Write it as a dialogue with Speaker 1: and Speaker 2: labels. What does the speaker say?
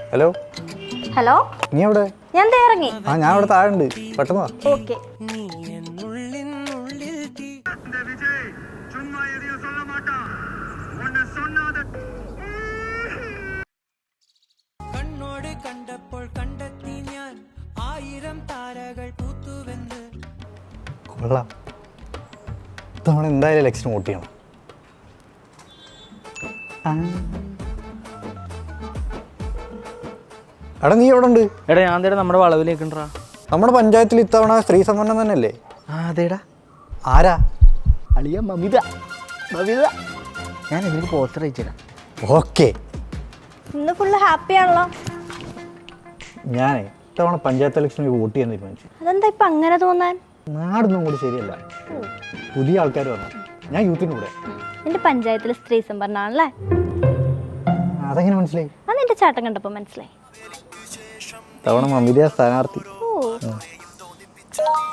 Speaker 1: Hello
Speaker 2: hello,
Speaker 1: നീ എവിടെ?
Speaker 2: ഞാൻ ദേ ഇറങ്ങി.
Speaker 1: ഞാൻ അവിടെ താഴെ ഉണ്ട്, പെട്ടെന്ന് വാ.
Speaker 2: ഓക്കെ.
Speaker 3: കണ്ണോട് കണ്ടപ്പോൾ കണ്ടെത്തി ഞാൻ 1000 താരകൾ പൂത്തുവെന്ന്.
Speaker 1: കൊള്ളാം, നമ്മൾ എന്തായാലും ഇലക്ഷൻ വോട്ട് ചെയ്യണം. എടാ നീ എവിടെ ഉണ്ട്?
Speaker 4: എടാ ഞാൻ തേടാ നമ്മുടെ വളവിലേക്കുണ്ടാ.
Speaker 1: നമ്മുടെ പഞ്ചായത്തിൽ ഇത്തവണ സ്ത്രീ സംവരണം തന്നെയല്ലേ?
Speaker 4: അതേടാ.
Speaker 1: ആരാ?
Speaker 4: അളിയ മമിത. ഞാൻ ഇതിലേക്ക് പോസ്റ്റർ അയച്ചുതരാം.
Speaker 1: ഓക്കെ.
Speaker 2: ഇന്ന് ഫുള്ള് ഹാപ്പി ആണല്ലോ.
Speaker 1: ഞാനേ ഇത്തവണ പഞ്ചായത്ത് ഇലക്ഷനിൽ വോട്ട് ചെയ്യാൻ തീരുമാനിച്ചു.
Speaker 2: അതെന്താ ഇപ്പൊ അങ്ങനെ തോന്നാൻ?
Speaker 1: നാടൊന്നും കൂടി ശരിയല്ല, പുതിയ ആൾക്കാർ വന്നു. ഞാൻ യൂത്തിന് കൂടെ.
Speaker 2: നിന്റെ പഞ്ചായത്തിൽ സ്ത്രീ സംവരണമാണല്ലേ?
Speaker 1: അതെങ്ങനെ മനസ്സിലായി?
Speaker 2: അത് നിന്റെ ചാട്ടം കണ്ടപ്പോ മനസ്സിലായി.
Speaker 1: തവണ മമിത സ്ഥാനാർത്ഥി.
Speaker 2: ഓ